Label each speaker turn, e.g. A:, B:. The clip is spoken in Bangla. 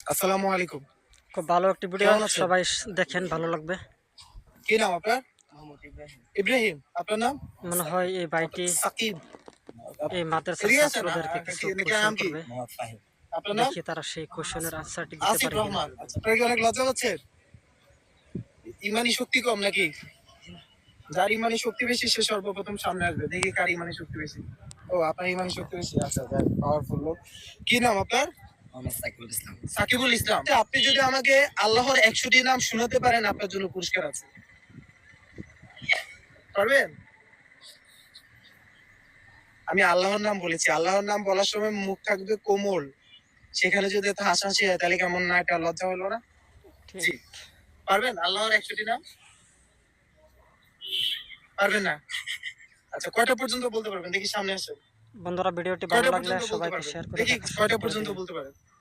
A: আসসালামু আলাইকুম।
B: খুব ভালো একটি ভিডিও,
A: কেমন আছেন?
B: সবাই দেখেন, ভালো লাগবে।
A: কি নাম আপনার? ইব্রাহিম। আপনার নাম?
B: মনে হয় এই ভাইটি
A: সাকিব।
B: এই মাদ্রাসার
A: এদিকে আছেন?
B: ছাত্রদেরকে কিছু
A: নাকি
B: কোশ্চেন
A: নাম কি?
B: করবে।
A: আপনার নাম?
B: দেখি তারা সেই কোশ্চেনের আনসারটি দিতে
A: আসিফ
B: পারে কিনা।
A: রহমান। আচ্ছা, আপনার কি অনেক লজ্জা হচ্ছে? ইমানি শক্তি কম নাকি? যার ইমানি শক্তি বেশি সে সর্বপ্রথম সামনে আসবে। দেখি কার ইমানি শক্তি বেশি। ও, আপনার ইমানি শক্তি বেশি। আচ্ছা, পাওয়ারফুল লোক। কি নাম আপনার?
C: সাইকুল ইসলাম।
A: সাকিবুল ইসলাম। আচ্ছা, আপনি যদি আমাকে আল্লাহর 100টি নাম শোনাতে পারেন, আপনার জন্য পুরস্কার আছে। পারবেন? আমি আল্লাহর নাম বলেছি। আল্লাহর নাম বলার সময় মুখ থাকবে কোমল। সেখানে যদি এত হাসাহাসি হয় তাহলে কেমন না, একটা লজ্জা হলো না? জি।
B: ঠিক।
A: পারবেন আল্লাহর 100টি নাম? পারবেন না? আচ্ছা, কয়টা পর্যন্ত বলতে পারবেন? দেখি সামনে আসেন।
B: বন্ধুরা, ভিডিওটি ভালো
A: কয়টা
B: লাগলে
A: পর্যন্ত বলতে
B: সবাইকে
A: পারবেন?
B: শেয়ার করে
A: দেখি
B: দেখার সুযোগ
A: কয়টা
B: করে
A: পর্যন্ত
B: দিবেন।
A: বলতে পারেন?